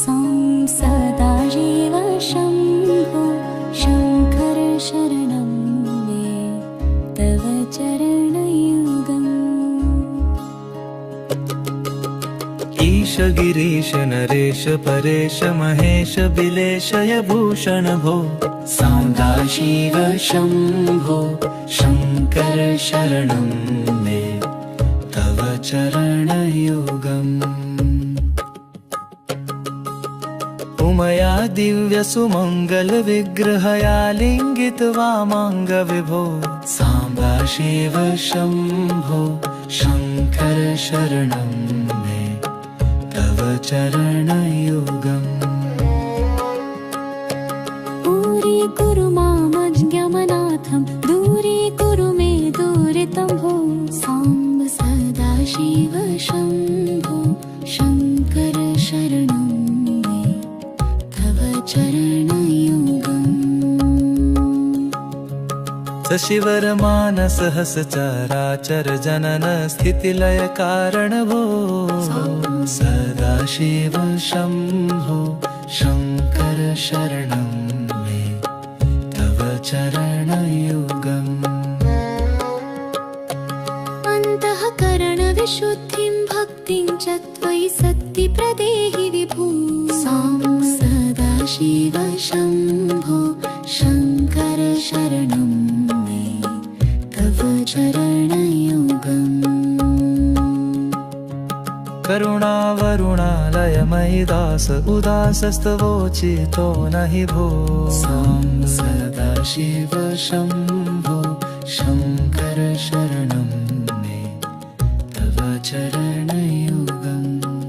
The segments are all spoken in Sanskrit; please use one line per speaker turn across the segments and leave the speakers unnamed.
सां सदाशिव शम्भो शङ्कर शरणं मे तव चरणयुगम्।
ईश गिरीश नरेश परेश महेश बिलेशय भूषण भो सदाशिव शम्भो शङ्कर शरणं मे तव चरणयुगम्। उमया दिव्य सुमंगल विग्रहया लिंगित्वा मांग विभो साम्बाशिव शम्भो शङ्कर शरणं मे तव चरणयुगम्।
दूरीकुरु मामज्ञमनाथं दूरीकुरु मे दुरितं भो साम्ब सदाशिव शम्भो शङ्कर शरणं मे तव चरणयुगम्।
सशिवरमान सहस्रचराचर जनन स्थितिलय कारण भो सदाशिव शम्भो शङ्कर शरणं मे तव चरणयुगम्।
अन्तःकरणविशुद्धिं भक्तिं च त्वयि सत्ति प्रदेहि विभो सां सदाशिव शम्भो शङ्कर शरणं मे तव चरणयुगम्।
करुणावरुणालयमयि दास उदासस्तवोचितो नहि भो सां सदाशिव शम्भो शङ्कर शरणं मे तव चरणयुगम्।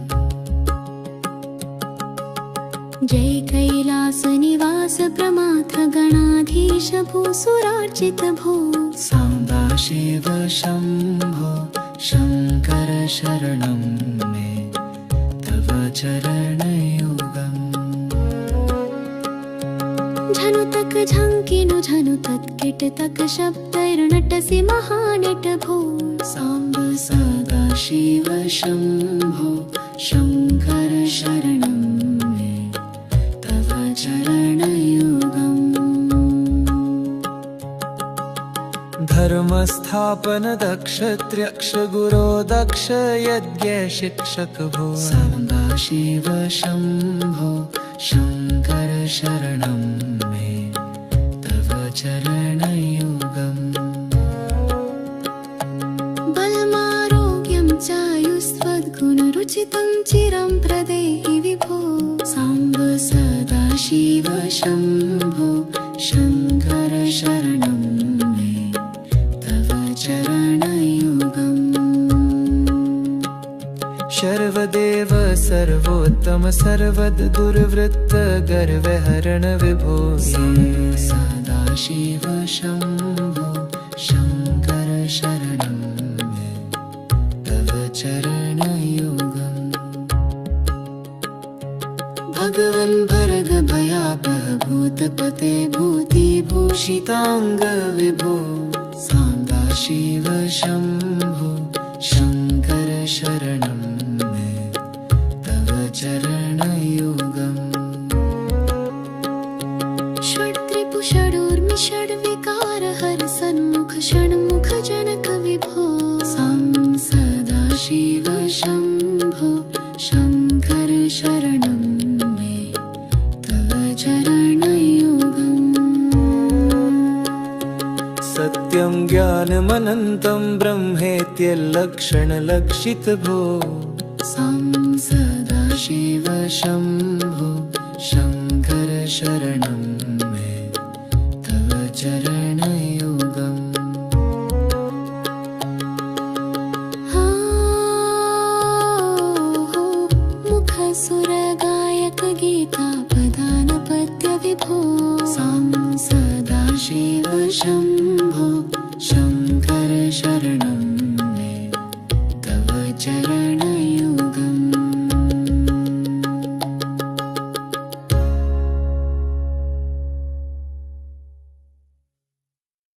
जय कैलासनिवास प्रमाथ गणाधीश भूसुरार्चित भो
सदाशिव शम्भो शङ्कर शरणं मे तव चरणयुगम्।
झनुतक झङ्किनु झनुतत् किटतक शब्दैर्नटसि महानट भो
साम्ब सदाशिव शम्भो शङ्कर शरणं मे तव चरणयुगम्। धर्मस्थापन दक्ष त्र्यक्ष गुरो दक्ष यज्ञ शिक्षक भो सदाशिव शम्भो शङ्कर शरणं मे तव चरणयुगम्।
बलमारोग्यं चायुस्त्वद्गुणरुचितं चिरं प्रदेहि विभो साम्ब सदाशिव शम्भो शङ्कर शरणं मे तव चरणयुगम्।
सर्वदेव सर्वोत्तम सर्वद दुर्वृत्त गर्वहरण विभो सदाशिव शम्भो शङ्कर शरणं मे तव चरणयुगम्। भगवन् भरद भयापह भूतपते भूतिभूषिताङ्ग विभो सदाशिव शम्भो शङ्कर शरणं मे तव चरणयुगम्।
षड्रिपु षडूर्मि षड्विकार हर सन्मुख षण्मुख जनक विभो सां सदाशिव शम्भो शङ्कर शरणं मे तव चरणयुगम्।
सत्यं ज्ञानमनन्तं ब्रह्मेत्यल्लक्षणलक्षित भो
सां
सदाशिव शम्भो शङ्कर शरणं